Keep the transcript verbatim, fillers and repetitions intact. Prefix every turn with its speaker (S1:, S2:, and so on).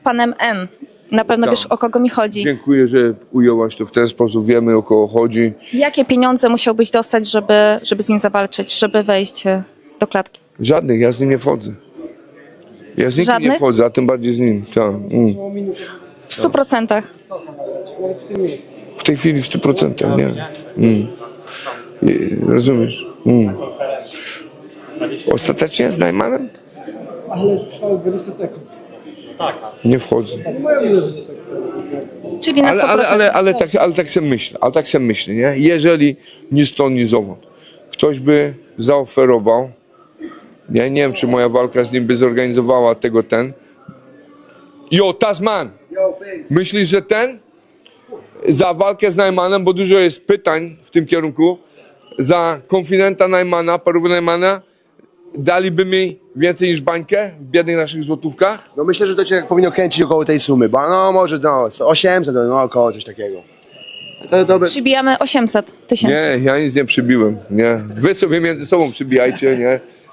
S1: panem N. Na pewno
S2: Tak.
S1: wiesz, o kogo mi chodzi.
S2: Dziękuję, że ujęłaś to w ten sposób. Wiemy, o kogo chodzi.
S1: Jakie pieniądze musiałbyś dostać, żeby, żeby z nim zawalczyć, żeby wejść e, do klatki?
S2: Żadnych, ja z nim nie wchodzę. Ja z nikim
S1: Żadnych?
S2: nie wchodzę, a tym bardziej z nim. Tak. Mm.
S1: W stu procentach.
S2: W tej chwili w stu procentach, nie. Mm. I, rozumiesz? Mm. Ostatecznie z Najmanem?
S3: Ale trwało dwadzieścia sekund.
S2: Nie wchodzę.
S1: Czyli na
S2: Ale,
S1: sto procent.
S2: ale, ale, ale, tak, ale tak sobie myślę, ale tak sobie myślę, nie? Jeżeli ni stąd, ni zowąd ktoś by zaoferował, ja nie wiem, czy moja walka z nim by zorganizowała tego ten. Jo, Tasman! Myślisz, że ten? Za walkę z Najmanem, bo dużo jest pytań w tym kierunku, za konfidenta Najmana, parówy Najmana, daliby mi więcej niż bańkę w biednych naszych złotówkach?
S4: No myślę, że to cię powinno kręcić około tej sumy, bo no może no osiemset, no około coś takiego. To dobre.
S1: Przybijamy osiemset tysięcy.
S2: Nie, ja nic nie przybiłem, nie. Wy sobie między sobą przybijajcie, nie.